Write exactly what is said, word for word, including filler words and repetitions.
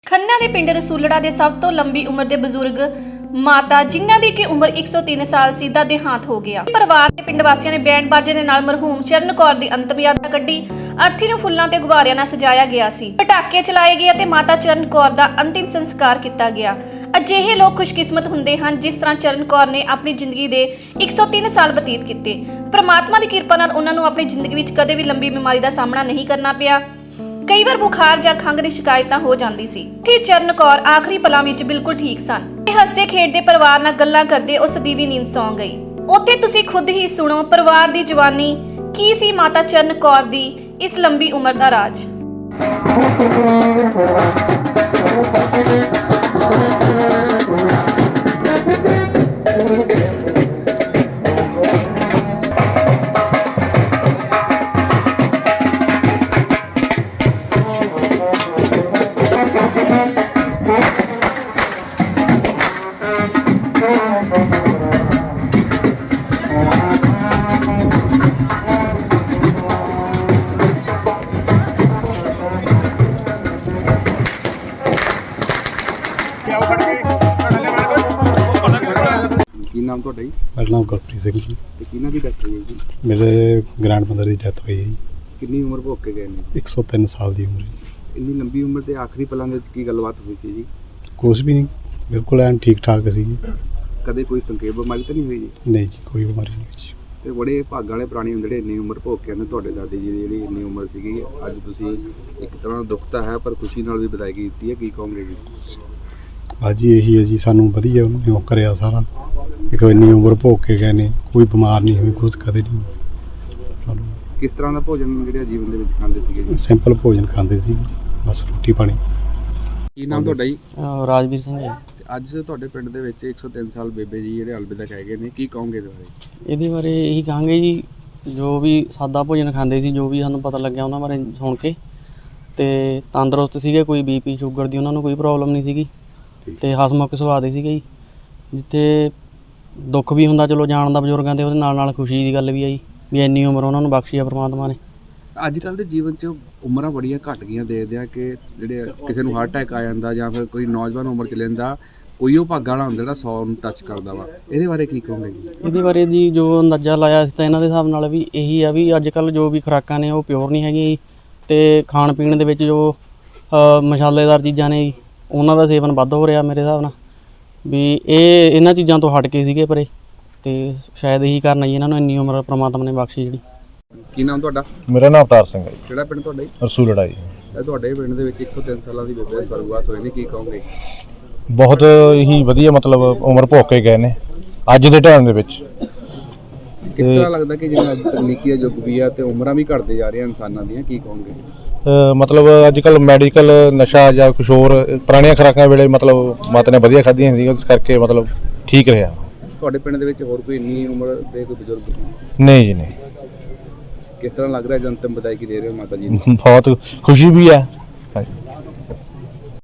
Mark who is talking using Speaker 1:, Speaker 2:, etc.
Speaker 1: खन्ना के पिंड रसूलड़ा के सब तो लंबी उम्र के बजुर्ग माता जिन्हां दी की उम्र एक सौ तीन साल सी दा देहांत हो गया। परिवार के पिंड वासियों ने बैंड बाजे दे नाल मरहूम चरण कौर दी अंतिम यात्रा कड्ढी। अर्थी नूं फुल्लां ते गुब्बारियां नाल सजाया गया सी, पटाके चलाए गए ते माता चरण कौर दा अंतिम संस्कार किया गया। अजिहे लोग खुशकिस्मत हुंदे हन जिस तरह चरण कौर ने अपनी जिंदगी दे एक सौ तीन साल बतीत किए। परमात्मा की किरपा नाल उन्हां नूं अपनी जिंदगी विच कदे भी लंबी बीमारी का सामना नहीं करना पिया। कई बार बुखार या खंघ की शिकायत हो जाती सी। चरण कौर आखिरी पलों में बिल्कुल ठीक सन। हसते खेडते परिवार नाल गल्लां करदे उस दी भी नींद सौ गई। उत्थे तुसीं खुद ही सुनो परिवार की जवानी की सी माता चरण कौर दी इस लंबी उम्र का राज।
Speaker 2: ਕੀ ਨਾਮ ਤੁਹਾਡਾ ਜੀ?
Speaker 3: ਮੇਰਾ ਨਾਮ ਗੁਰਪ੍ਰੀਤ ਸਿੰਘ ਜੀ।
Speaker 2: ਤੇ ਕਿਹਨਾਂ ਦੀ ਡੈਥ ਹੋਈ ਹੈ ਜੀ?
Speaker 3: ਮੇਰੇ ਗ੍ਰੈਂਡ ਮਦਰ ਦੀ ਡੈਥ ਹੋਈ ਹੈ ਜੀ।
Speaker 2: ਕਿੰਨੀ ਉਮਰ ਭੋਗ ਕੇ ਗਏ ਨੇ?
Speaker 3: ਇੱਕ ਸੌ ਤਿੰਨ ਸਾਲ ਦੀ ਉਮਰ ਜੀ।
Speaker 2: ਇੰਨੀ ਲੰਬੀ ਉਮਰ ਦੇ ਆਖਰੀ ਪਲਾਂ ਦੇ ਵਿੱਚ ਕੀ ਗੱਲਬਾਤ ਹੋਈ ਸੀ ਜੀ?
Speaker 3: ਕੁਛ ਵੀ ਨਹੀਂ, ਬਿਲਕੁਲ ਐਨ ਠੀਕ ਠਾਕ ਸੀ ਜੀ।
Speaker 2: ਕਦੇ ਕੋਈ ਸੰਖੇਪ ਬਿਮਾਰੀ ਤਾਂ ਨਹੀਂ ਹੋਈ ਜੀ?
Speaker 3: ਨਹੀਂ ਜੀ, ਕੋਈ ਬਿਮਾਰੀ ਨਹੀਂ ਹੋਈ ਜੀ।
Speaker 2: ਤੇ ਬੜੇ ਭਾਗਾਂ ਵਾਲੇ ਪ੍ਰਾਣੀ ਹੁੰਦੇ ਜਿਹੜੇ ਇੰਨੀ ਉਮਰ ਭੋਗ ਕੇ ਆਉਂਦੇ। ਤੁਹਾਡੇ ਦਾਦੀ ਜੀ ਦੀ ਜਿਹੜੀ ਇੰਨੀ ਉਮਰ ਸੀਗੀ, ਅੱਜ ਤੁਸੀਂ ਇੱਕ ਤਰ੍ਹਾਂ ਦਾ ਦੁੱਖ ਤਾਂ ਹੈ ਪਰ ਖੁਸ਼ੀ ਨਾਲ ਵੀ ਵਿਦਾਇਗੀ ਦਿੱਤੀ ਹੈ, ਕੀ ਕਹੋਗੇ ਜੀ?
Speaker 3: ਬਾਜੀ ਇਹੀ ਹੈ ਜੀ, ਸਾਨੂੰ ਵਧੀਆ ਉਹਨੇ ਉਹ ਕਰਿਆ ਸਾਰਾ। ਇੱਕ ਇੰਨੀ ਉਮਰ ਭੋਗ ਕੇ ਗਏ ਨੇ, ਕੋਈ ਬਿਮਾਰ ਨਹੀਂ ਹੋਈ, ਕੁਛ ਕਦੇ ਨਹੀਂ।
Speaker 2: ਕਿਸ ਤਰ੍ਹਾਂ ਦਾ ਭੋਜਨ ਜਿਹੜਾ ਜੀਵਨ ਦੇ ਵਿੱਚ ਖਾਂਦੇ ਸੀਗੇ ਜੀ?
Speaker 3: ਸਿੰਪਲ ਭੋਜਨ ਖਾਂਦੇ ਸੀ ਜੀ, ਬਸ ਰੋਟੀ ਪਾਣੀ।
Speaker 2: ਕੀ ਨਾਮ ਤੁਹਾਡਾ ਜੀ?
Speaker 4: ਰਾਜਵੀਰ ਸਿੰਘ ਜੀ।
Speaker 2: ਅੱਜ ਤੁਹਾਡੇ ਪਿੰਡ ਦੇ ਵਿੱਚ ਇੱਕ ਸੌ ਤਿੰਨ ਸਾਲ ਬੇਬੇ ਜੀ ਜਿਹੜੇ ਅਲਵਿਦਾ ਕਹਿ ਗਏ ਨੇ, ਕੀ ਕਹੋਗੇ ਇਹਦੇ ਬਾਰੇ?
Speaker 4: ਇਹਦੇ ਬਾਰੇ ਇਹੀ ਕਹਾਂਗੇ ਜੀ, ਜੋ ਵੀ ਸਾਦਾ ਭੋਜਨ ਖਾਂਦੇ ਸੀ, ਜੋ ਵੀ ਸਾਨੂੰ ਪਤਾ ਲੱਗਿਆ ਉਹਨਾਂ ਬਾਰੇ ਸੁਣ ਕੇ, ਤੇ ਤੰਦਰੁਸਤ ਸੀਗੇ, ਕੋਈ ਬੀਪੀ ਸ਼ੂਗਰ ਦੀ ਉਹਨਾਂ ਨੂੰ ਕੋਈ ਪ੍ਰੋਬਲਮ ਨਹੀਂ ਸੀਗੀ, ਤੇ ਹਸਮੁਖ ਸੁਭਾਅ ਦੇ ਸੀਗੇ ਜੀ। ਜਿੱਥੇ ਦੁੱਖ ਵੀ ਹੁੰਦਾ ਚਲੋ ਜਾਣ ਦਾ ਬਜ਼ੁਰਗਾਂ ਦੇ, ਉਹਦੇ ਨਾਲ ਨਾਲ ਖੁਸ਼ੀ ਦੀ ਗੱਲ ਵੀ ਆਈ ਵੀ ਇੰਨੀ ਉਮਰ ਉਹਨਾਂ ਨੂੰ ਬਖਸ਼ੀ ਆ ਪ੍ਰਮਾਤਮਾ ਨੇ। ਅੱਜ ਕੱਲ੍ਹ ਦੇ ਜੀਵਨ 'ਚ ਉਮਰਾਂ ਬੜੀਆਂ ਘੱਟ ਗਈਆਂ, ਦੇਖਦੇ ਆ ਕਿ ਜਿਹੜੇ ਕਿਸੇ ਨੂੰ ਹਾਰਟ ਅਟੈਕ ਆ ਜਾਂਦਾ ਜਾਂ ਫਿਰ ਕੋਈ ਨੌਜਵਾਨ ਉਮਰ 'ਚ ਲੈਂਦਾ, ਕੋਈ ਉਹ ਭਾਗਾਂ ਵਾਲਾ ਹੁੰਦਾ ਜਿਹੜਾ ਸੌ ਨੂੰ ਟੱਚ ਕਰਦਾ ਵਾ। ਇਹਦੇ ਬਾਰੇ ਕੀ ਕਹੋਗੇ ਜੀ? ਇਹਦੇ ਬਾਰੇ ਜੀ ਜੋ ਅੰਦਾਜ਼ਾ ਲਾਇਆ ਸੀ ਤਾਂ ਇਹਨਾਂ ਦੇ ਹਿਸਾਬ ਨਾਲ ਵੀ ਇਹੀ ਆ ਵੀ ਅੱਜ ਕੱਲ੍ਹ ਜੋ ਵੀ ਖੁਰਾਕਾਂ ਨੇ ਉਹ ਪਿਓਰ ਨਹੀਂ ਹੈਗੀਆਂ ਜੀ, ਅਤੇ ਖਾਣ ਪੀਣ ਦੇ ਵਿੱਚ ਜੋ ਮਸਾਲੇਦਾਰ ਚੀਜ਼ਾਂ ਨੇ ਜੀ ਉਹਨਾਂ ਦਾ ਸੇਵਨ ਵੱਧ ਹੋ ਰਿਹਾ ਮੇਰੇ ਹਿਸਾਬ ਨਾਲ, ਵੀ ਇਹ ਇਹਨਾਂ ਚੀਜ਼ਾਂ ਤੋਂ ਹਟ ਕੇ ਸੀਗੇ ਪਰੇ, ਅਤੇ ਸ਼ਾਇਦ ਇਹੀ ਕਾਰਨ ਜੀ ਇਹਨਾਂ ਨੂੰ ਇੰਨੀ ਉਮਰ ਪ੍ਰਮਾਤਮਾ ਨੇ ਬਖਸ਼ੀ ਜਿਹੜੀ। ਕੀ ਨਾਮ ਤੁਹਾਡਾ?
Speaker 5: ਮੇਰਾ ਨਾਮ ਅਵਤਾਰ ਸਿੰਘ ਹੈ ਜੀ।
Speaker 2: ਕਿਹੜਾ ਪਿੰਡ ਤੁਹਾਡਾ ਜੀ?
Speaker 5: ਰਸੂਲੜਾ ਜੀ।
Speaker 2: ਇਹ ਤੁਹਾਡੇ ਪਿੰਡ ਦੇ ਵਿੱਚ ਇੱਕ ਸੌ ਤਿੰਨ ਸਾਲਾਂ ਦੀ ਬੇਬੇ ਸਵਰਗਵਾਸ ਹੋਏ ਨੇ, ਕੀ ਕਹੋਗੇ?
Speaker 5: ਬਹੁਤ ਹੀ ਵਧੀਆ ਮਤਲਬ ਉਮਰ ਭੋਗ ਕੇ ਗਏ ਨੇ ਅੱਜ ਦੇ ਟਾਈਮ ਦੇ ਵਿੱਚ।
Speaker 2: ਕਿਸ ਤਰ੍ਹਾਂ ਲੱਗਦਾ ਕਿ ਜਿਵੇਂ ਅੱਜ ਤਕਨੀਕੀ ਦਾ ਯੁੱਗ ਵੀ ਆ ਤੇ ਉਮਰਾਂ ਵੀ ਘਟਦੇ ਜਾ ਰਹੀਆਂ ਇਨਸਾਨਾਂ ਦੀਆਂ, ਕੀ ਕਹੋਗੇ?
Speaker 5: ਮਤਲਬ ਅੱਜ ਕੱਲ੍ਹ ਮੈਡੀਕਲ ਨਸ਼ਾ ਜਾਂ ਕੁਛ ਹੋਰ ਪੁਰਾਣੀਆਂ ਖੁਰਾਕਾਂ ਵੇਲੇ ਮਤਲਬ ਮਾਤਾ ਨੇ ਵਧੀਆ ਖਾਧੀਆਂ ਸੀ, ਇਸ ਕਰਕੇ ਮਤਲਬ ਠੀਕ ਰਿਹਾ।
Speaker 2: ਤੁਹਾਡੇ ਪਿੰਡ ਦੇ ਵਿੱਚ ਹੋਰ ਕੋਈ ਇੰਨੀ ਉਮਰ ਦੇ ਕੋਈ ਬਜ਼ੁਰਗ?
Speaker 5: ਨਹੀਂ ਜੀ ਨਹੀਂ।
Speaker 2: ਕਿਸ ਤਰ੍ਹਾਂ ਲੱਗ ਰਿਹਾ ਜਨਤਮ ਵਿਦਾਇਗੀ ਦੇ ਰਹੇ ਹੋ ਮਾਤਾ ਜੀ ਨੂੰ?
Speaker 5: ਬਹੁਤ ਖੁਸ਼ੀ ਵੀ ਹੈ